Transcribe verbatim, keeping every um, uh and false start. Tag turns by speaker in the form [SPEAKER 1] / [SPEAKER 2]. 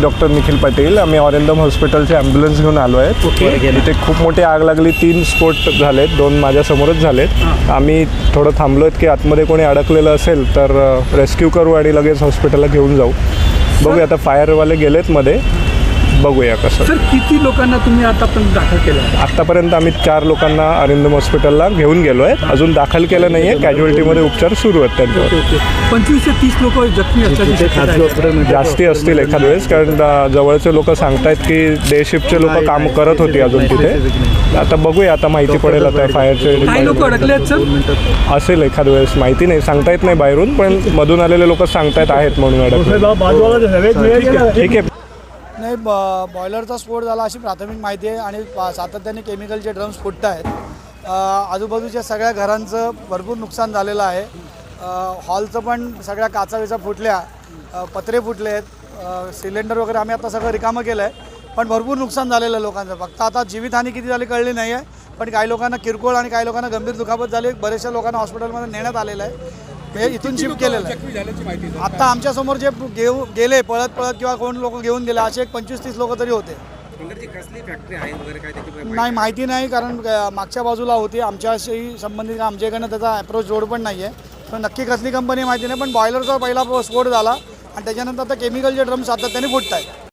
[SPEAKER 1] Doctor Nikhil Patil. आम्ही ऑरेंदम हॉस्पिटलचे ambulance घेऊन आलो आहे. इथे खूप मोठी आग लागली, तीन स्फोट झालेत, दोन माझ्यासमोरच झालेत. आम्ही थोडं थांबलो आहेत की आतमध्ये कोणी अडकलेलं असेल तर रेस्क्यू करू आणि लगेच हॉस्पिटलला घेऊन जाऊ. बघूया, आता फायरवाले गेलेत मध्ये, बघूया कसं.
[SPEAKER 2] सर किती लोकांना तुम्ही आतापर्यंत दाखल केलं?
[SPEAKER 1] आत्तापर्यंत आम्ही चार लोकांना अरिंदम हॉस्पिटलला घेऊन गेलो आहे. अजून दाखल केलं नाही आहे, कॅज्युअलिटीमध्ये उपचार सुरू आहेत त्यांच्यावर.
[SPEAKER 2] पंचवीस ते तीस लोक जखमी असतात,
[SPEAKER 1] जास्ती असतील एखाद वेळेस, कारण जवळचे लोक सांगतायत की डे शिफ्टचे लोक काम करत होती अजून तिथे. आता बघूया, आता माहिती पडेल आता फायरचे
[SPEAKER 2] काही लोक अडकले आहेत सर.
[SPEAKER 1] असेल एखाद वेळेस, माहिती नाही, सांगता येत नाही बाहेरून, पण मधून आलेले लोक सांगतायत आहेत म्हणून अडकले. ठीक आहे.
[SPEAKER 3] नाही, ब बॉयलरचा स्फोट झाला अशी प्राथमिक माहिती आहे आणि सातत्याने केमिकलचे ड्रम्स फुटत आहेत. आजूबाजूच्या सगळ्या घरांचं भरपूर नुकसान झालेलं आहे. हॉलचं पण सगळ्या काचा विचा फुटल्या, पत्रे फुटले आहेत, सिलेंडर वगैरे आम्ही आता सगळं रिकामं केलं आहे. पण भरपूर नुकसान झालेलं आहे लोकांचं. फक्त आता जीवितहानी किती झाली कळली नाही आहे, पण काही लोकांना किरकोळ आणि काही लोकांना गंभीर दुखापत झाली. बऱ्याचशा लोकांना हॉस्पिटलमध्ये नेण्यात आलेलं आहे, हे इथून शिफ्ट केलेलं आहे. आता आमच्यासमोर जे घेऊ गेले पळत पळत किंवा कोण लोक घेऊन गेले असे एक पंचवीस तीस लोक तरी होते. नाही, माहिती नाही, कारण मागच्या बाजूला होती, आमच्याशी संबंधित आमच्याकडनं त्याचा अप्रोच रोड पण नाही आहे. पण नक्की कसली कंपनी माहिती नाही, पण बॉयलरचा पहिला स्फोट झाला आणि त्याच्यानंतर आता केमिकलचे ड्रम सातत्याने फुटत आहेत.